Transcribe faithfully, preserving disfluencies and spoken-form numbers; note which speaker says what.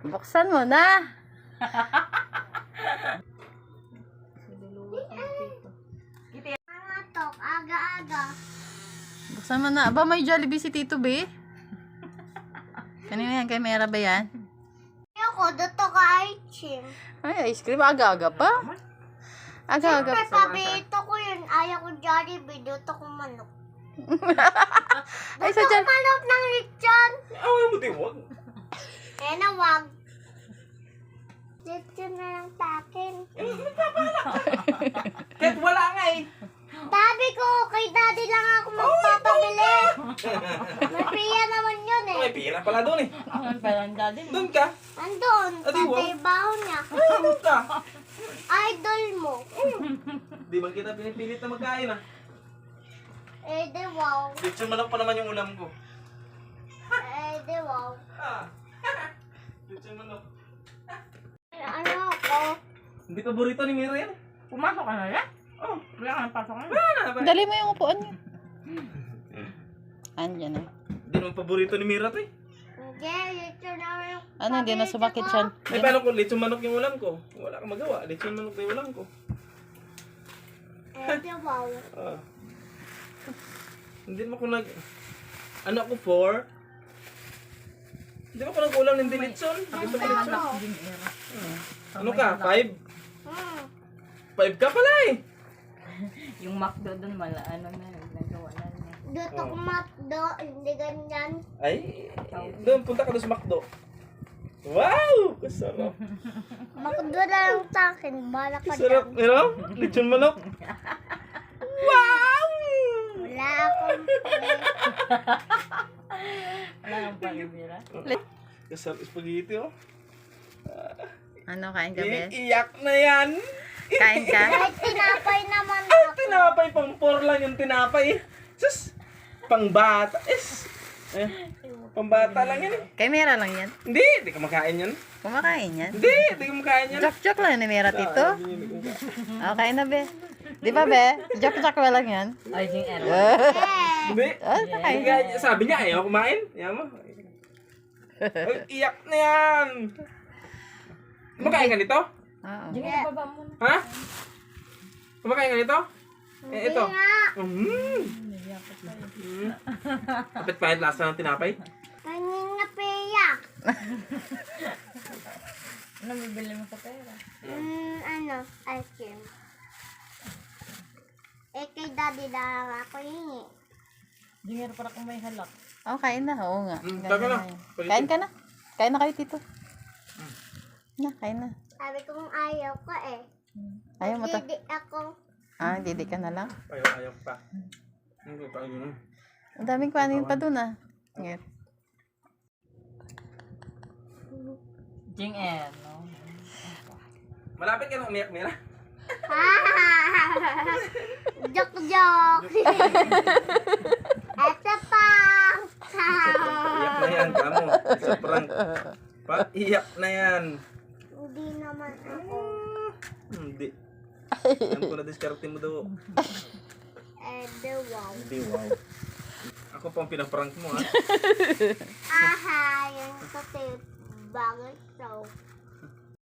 Speaker 1: Buksan mo na.
Speaker 2: Tok, aga-aga.
Speaker 1: Buksan mo na. Aba, may Jollibee si Tito B. Kanina yan? Kay Mera ba yan?
Speaker 2: Ayoko, dito ka ice-cream.
Speaker 1: Ay, ice cream. Aga-aga pa. Aga-aga
Speaker 2: Siyempre,
Speaker 1: pa.
Speaker 2: paborito ko yun. Ayaw ko Jollibee, dito ko manok.
Speaker 1: Ay,
Speaker 2: Dito
Speaker 1: sa
Speaker 2: ko
Speaker 1: Joll-
Speaker 2: manok ng lechon.
Speaker 3: Away mo din, wag.
Speaker 2: Eh na, wag. Lechon na lang sa akin.
Speaker 3: Kahit wala nga eh.
Speaker 2: Sabi ko, kay daddy lang ako magpapabili. May piya naman yun eh.
Speaker 3: May pira pala doon eh.
Speaker 1: Ang parang daddy mo.
Speaker 3: Doon ka.
Speaker 2: Andun,
Speaker 3: Adi,
Speaker 2: sa
Speaker 3: wag.
Speaker 2: trabaho niya.
Speaker 3: Doon ka.
Speaker 2: Idol mo.
Speaker 3: Di ba kita pinipilit na magkain ah?
Speaker 2: Eh, di wow.
Speaker 3: Lechon manok pa naman yung ulam ko.
Speaker 2: Eh, di wow.
Speaker 3: Ah. Lechon manok.
Speaker 2: Ano ako?
Speaker 3: Hindi paborito ni Mira yan.
Speaker 1: Pumasok ka na yan?
Speaker 3: Oh.
Speaker 1: Wala ka nang pasok na.
Speaker 3: Wala na ba?
Speaker 1: Dali mo yung upuan niya. Andyan eh.
Speaker 3: Hindi naman paborito ni Mira to eh.
Speaker 2: Hindi, lechon na yung
Speaker 1: Ano, hindi na sumakit siya.
Speaker 3: Ay, paano kung lechon manok yung ulam ko? Wala kang magawa. Lechon manok na yung ulam ko.
Speaker 2: Eh, di wow.
Speaker 3: Ah. Hindi naman ako nag... Ano ako, four? Hindi naman ako nag-ulam ng lechon. Gusto ko lechon. Ano ka, five?
Speaker 2: Hmm.
Speaker 3: Five ka pala eh.
Speaker 1: Yung McDo doon, mala, ano na, nagawa na niya.
Speaker 2: Dito ko makdo, hindi ganyan.
Speaker 3: Ay, doon, punta ka doon sa McDo. Wow! Kasarap.
Speaker 2: Makdo na lang sa akin, bala ka
Speaker 3: Kasarap.
Speaker 2: dyan.
Speaker 3: You know? Lechon manok. Wow!
Speaker 2: Wala akong
Speaker 1: Wala kang palibira.
Speaker 3: Kasarap spaghetti oh.
Speaker 1: Ano, kain ka, Bes?
Speaker 3: Iiyak na yan.
Speaker 1: Kain ka?
Speaker 2: kahit tinapay naman
Speaker 3: Ay,
Speaker 2: ako.
Speaker 3: tinapay. Pang four lang yung tinapay. Sus! Pang bata. Is. Eh, pang bata lang yan eh.
Speaker 1: Kay Mera lang yan.
Speaker 3: Hindi, hindi ka makain yan.
Speaker 1: Kumakain yan.
Speaker 3: Hindi, hindi ka makain yan.
Speaker 1: Joke-joke lang ni Mera, Tito.
Speaker 3: Ah, hindi, hindi ko makain.
Speaker 1: Okay na, Be. Di ba, Be? Joke-joke ba lang yan? Ay, sing
Speaker 2: Eh,
Speaker 3: Hindi.
Speaker 1: Ah,
Speaker 3: Hindi ka- Sabi niya, ayaw kumain. Yan mo. Ay, iyak na yan. Kumakain ka nito?
Speaker 1: Oo.
Speaker 3: Ha? Kumakain ka nito? Eh, ito.
Speaker 2: hindi nga.
Speaker 3: Mm. Mm. Kapit pahit lasa ng tinapay.
Speaker 2: Kanin na peya.
Speaker 1: Ano bibili mo sa pera?
Speaker 2: Hmm, ano, ice cream. Eh, kay daddy lang ako hingi.
Speaker 1: Di meron para kung may halak. Oo, kain na. Oo nga.
Speaker 3: Mm,
Speaker 1: Ganyan
Speaker 3: taka na.
Speaker 1: yan. Kain ka na. Kain na kayo, Tito. Na, kain na.
Speaker 2: Sabi kong ayaw ko eh.
Speaker 1: Ayaw mo to.
Speaker 2: Hindi ako.
Speaker 1: Ah, didi ka na lang.
Speaker 3: Ayaw, ayaw pa. Hindi pa yun.
Speaker 1: Ang daming kanin pa dun ah. Ngayon. Jing en, no?
Speaker 3: Malapit ka na umiyak, Mira.
Speaker 2: Joke, joke. Ito pa.
Speaker 3: Iyak na yan, kamo. Sa prank. Pa, iyak na yan.
Speaker 2: Hindi naman ako.
Speaker 3: Hindi. Alam ko na diskarte mo daw.
Speaker 2: Eh, the wow.
Speaker 3: Hindi, wow. Ako pang pinaprank mo, ha?
Speaker 2: Aha, yung kasi bagay so.